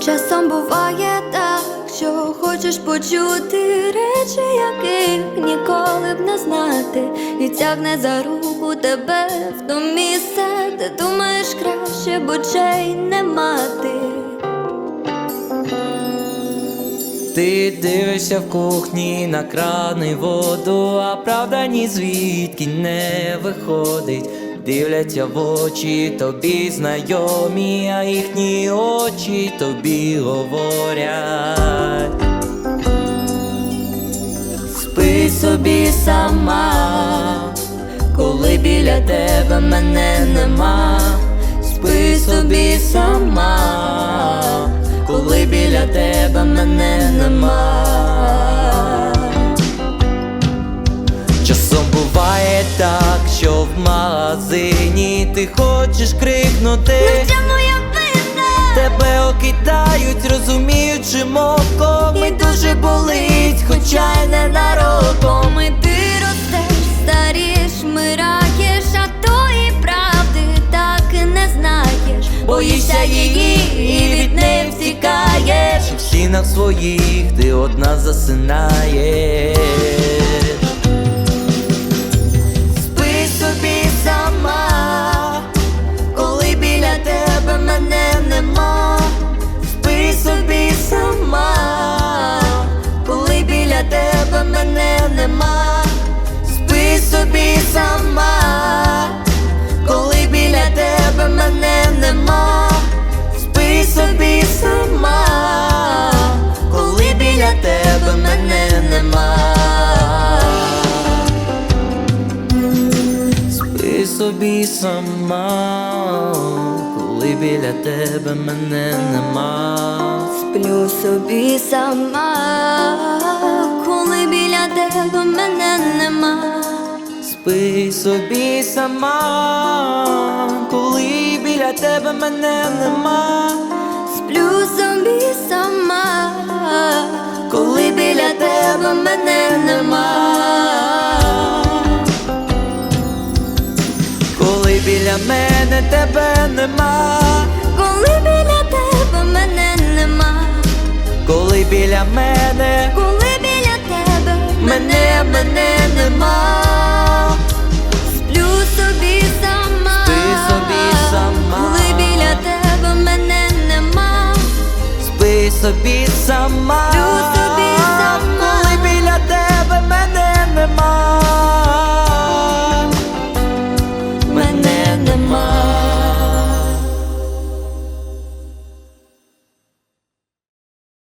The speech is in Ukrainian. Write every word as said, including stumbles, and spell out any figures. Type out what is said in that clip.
Часом буває так, що хочеш почути речі, яких ніколи б не знати, і тягне за руку тебе в то місце, де думаєш краще б очей не мати. Ти дивишся в кухні на кран і воду, а правда ні звідки не виходить. Дивляться в очі тобі знайомі, а їхні очі тобі говорять: спи собі сама, коли біля тебе мене нема. Спи собі сама, коли біля тебе мене нема. Часом буває так, що в магазині ти хочеш крикнути: ну це моя вина! Тебе окидають, розуміючи мовком, і дуже болить, хоча й не нароком. І ти ростеш, старієш, вмираєш, а тої правди так і не знаєш. Боїшся її і від неї втікаєш, і в стінах своїх ти одна засинаєш. Спи собі сама, коли біля тебе мене нема. Спи собі сама, коли біля тебе мене нема. Спи собі сама, коли біля тебе мене нема. Спи собі сама, коли біля тебе мене нема. Спи собі сама, коли біля тебе мене нема. Сплю собі сама, коли біля тебе мене нема. Спи собі сама, коли біля тебе мене нема. Сплю собі сама, Коли біля тебе мене нема. Коли біля мене тебе нема. коли біля тебе мене нема. Коли біля мене Коли біля тебе мене, мене нема. сплю собі сама, Спи собі сама. коли біля тебе мене нема. Спи собі сама. Сплю собі